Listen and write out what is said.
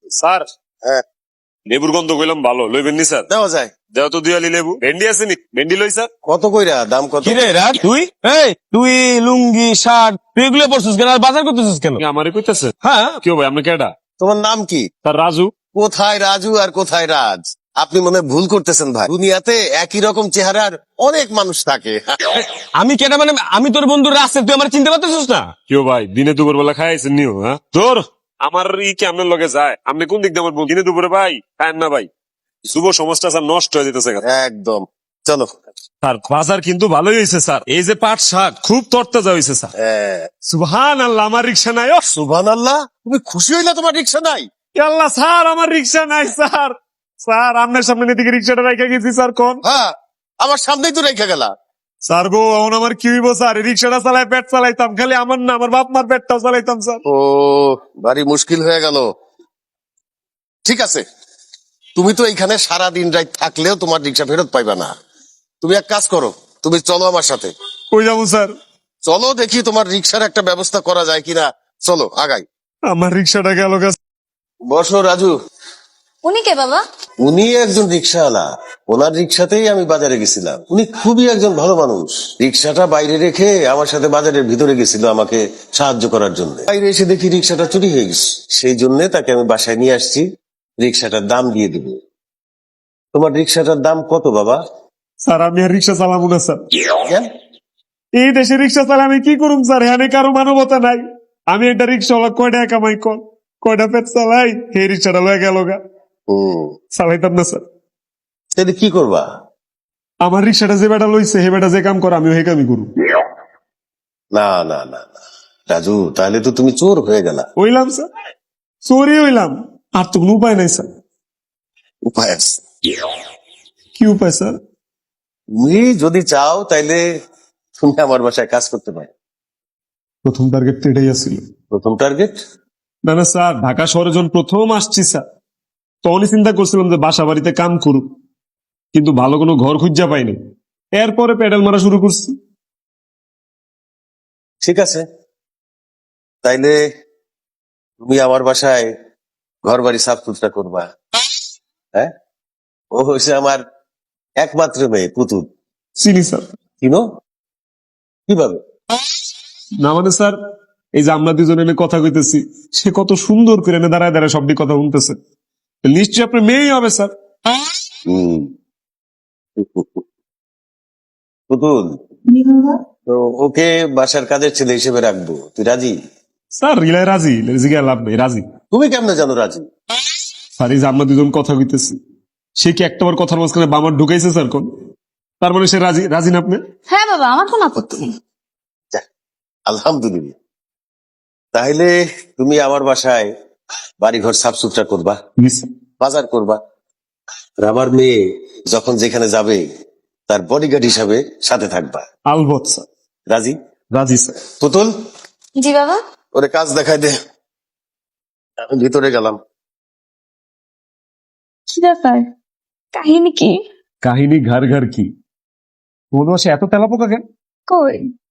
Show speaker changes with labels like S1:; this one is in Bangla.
S1: স্যার
S2: হ্যাঁ
S1: লেবুর গন্ধ কইলাম ভালো লইবেন নি স্যার?
S2: দেওয়া যায়।
S1: দেও তো দুয়ালি লেবু। ভেন্ডি আছে নি? ভেন্ডি লই স্যার।
S2: কত কইরা দাম কত?
S3: কিরে রাত তুই তুই লুঙ্গি শার্ট তুই এগুলো পরছিস কেন আর বাজার করতেছিস কেন?
S1: আমারে কইতাছে?
S3: হ্যাঁ
S1: কেউ ভাই আপনি কেডা?
S2: তোমার নাম কি?
S1: স্যার রাজু।
S2: কোথায় রাজু আর কোথায় রাজ? আপনি মনে হয় ভুল করতেছেন ভাই। দুনিয়াতে একই রকম চেহারার অনেক মানুষ থাকে।
S3: আমি কেন মানে আমি তোর বন্ধু রাস্তা তুই আমার চিনতে পারতেছিস না?
S1: কেউ ভাই দিনে দুপুর বেলা খাইছেন নিও? হ্যাঁ তোর আমার কি আপনার লগে যায়? আপনি কোন দিক দিয়ে আমার দিনে দুপুরে ভাই খায়েন না ভাই? যুব সমাজটা স্যার নষ্ট হয়ে যেতেছে।
S2: একদম। চলো।
S1: স্যার বাজার কিন্তু ভালোই হয়েছে স্যার। এই যে পাট শাক খুব তরতাজা হয়েছে স্যার। সুবহান আল্লাহ, আমার রিক্সা নাই। ও
S2: সুবহানাল্লাহ, তুমি খুশি হইলা তোমার রিক্সা নাই?
S1: আল্লাহ স্যার, আমার রিক্সা নাই স্যার। স্যার আপনার সামনে এদিকে রিক্সাটা রেখে গেছি স্যার। কোন?
S2: হ্যাঁ, আমার সামনেই তো রেখে গেলা।
S1: স্যার গো এখন আমার কি হইব স্যার? রিক্সাটা চালাই পেট চালাইতাম, খালি আমার না আমার বাপ মার পেটটাও চালাইতাম স্যার।
S2: ও ভারী মুশকিল হয়ে গেল। ঠিক আছে, তুমি তো এইখানে সারা দিন রাত থাকলেও তোমার রিক্সা ফেরত পাইবা না। তুমি এক কাজ করো, তুমি চলো আমার সাথে।
S1: কই যাবো স্যার?
S2: চলো দেখি তোমার রিক্সার একটা ব্যবস্থা করা যায় কিনা। চলো আগাই।
S1: আমার রিক্সাটা গেল গা।
S2: বসো রাজু।
S4: উনি কে বাবা?
S2: উনি একজন রিক্সাওয়ালা। ওনার রিক্সাতেই আমি বাজারে গেছিলাম। উনি খুবই একজন ভালো মানুষ। রিক্সাটা বাইরে রেখে আমার সাথে বাজারের ভিতরে গেছিল আমাকে সাহায্য করার জন্য। বাইরে এসে দেখি রিক্সাটা চুরি হয়ে গেছে। সেই জন্য তাকে আমি বাসায় নিয়ে আসছি, রিক্সাটার দাম দিয়ে দিব। তোমার রিক্সাটার দাম কত বাবা?
S1: স্যার আমি আর রিক্সা চালাবো না স্যার।
S2: কেন?
S1: এই দেশে রিক্সা চালা আমি কি করুম স্যার? হ্যাঁ কারো মানবতা নাই। আমি একটা রিক্সাওয়ালা কয়টা কামাই কর, কয়টা পেট চালাই, এই রিক্সাটা লয়ে গেল গা। চালাইতাম না স্যার।
S2: তাহলে কি করবা?
S1: আমার রিক্সাটা যে বেটা লইছে হে বেটা যে কাম করে আমি ওই কামই করু।
S2: না না না না রাজু, তাহলে তো তুমি চোর হয়ে গেলা।
S1: হইলাম স্যার, চোরই হইলাম। আর তো কোনো উপায় নাই স্যার।
S2: উপায় আছে।
S1: কি উপায় স্যার?
S2: তুমি যদি চাও তাইলে তুমি আমার বাসায় কাজ করতে পারো।
S1: প্রথম টার্গেট তো এটাই আসছিল।
S2: প্রথম টার্গেট?
S1: না না স্যার, ঢাকা শহরে যখন প্রথম আসছি স্যার তখনই চিন্তা করছিলাম যে বাসা বাড়িতে কাম করুক, কিন্তু ভালো কোনো ঘর খুঁজা পাইনি। এরপরে প্যাডেল মারা শুরু করছি।
S2: ঠিক আছে, তাইলে তুমি আমার বাসায় ঘর বাড়ি সাফ সুতরা করবা। হ্যাঁ, ও হয়েছে আমার একমাত্র মেয়ে পুতুল।
S1: চিনি স্যার।
S2: চিনো? কিভাবে?
S1: না মানে স্যার, এই যে আমরা দুজন এনে কথা কইতেছি, সে কত সুন্দর করে এনে দাঁড়ায় দাঁড়ায় সবটি কথা শুনতেছে। নিশ্চয়ই আপনার মেয়েই হবে স্যার।
S2: হম। পুতুল, তো ওকে বাসার কাজের ছেলে হিসেবে রাখবো, তুই রাজি?
S1: স্যার রিলায় রাজি, জিজ্ঞা লাভ নেই, রাজি।
S2: তুমি কেমনে জানো রাজি?
S1: স্যার এই যে আমরা দুজন কথা কইতেছি, সে কি একটাবার কথার মাঝখানে বামার ঢুকাইছে স্যার? কোন তার মানে সে রাজি? রাজি না আপনি?
S4: হ্যাঁ বাবা, আমার কোনো আপত্তি নেই।
S2: যাক, আলহামদুলিল্লাহ। তাহলে তুমি আমার বাসায় বাড়িঘর সাফ সুতরা করবা,
S1: জি স্যার।
S2: বাজার করবা, আর আমার মেয়ে যখন যেখানে যাবে তার বডিগার্ড হিসাবে সাথে থাকবা।
S1: আলবৎ স্যার।
S2: রাজি?
S1: রাজি স্যার।
S2: পুতুল,
S4: জি বাবা।
S2: ওরে কাজ দেখাই দে। আমি ভিতরে গেলাম।
S4: কি ব্যাপার? কাহিনী কি?
S1: কাহিনী ঘর ঘর কি? মনে হয় সে এত তেলাপোকা কেন?
S4: কই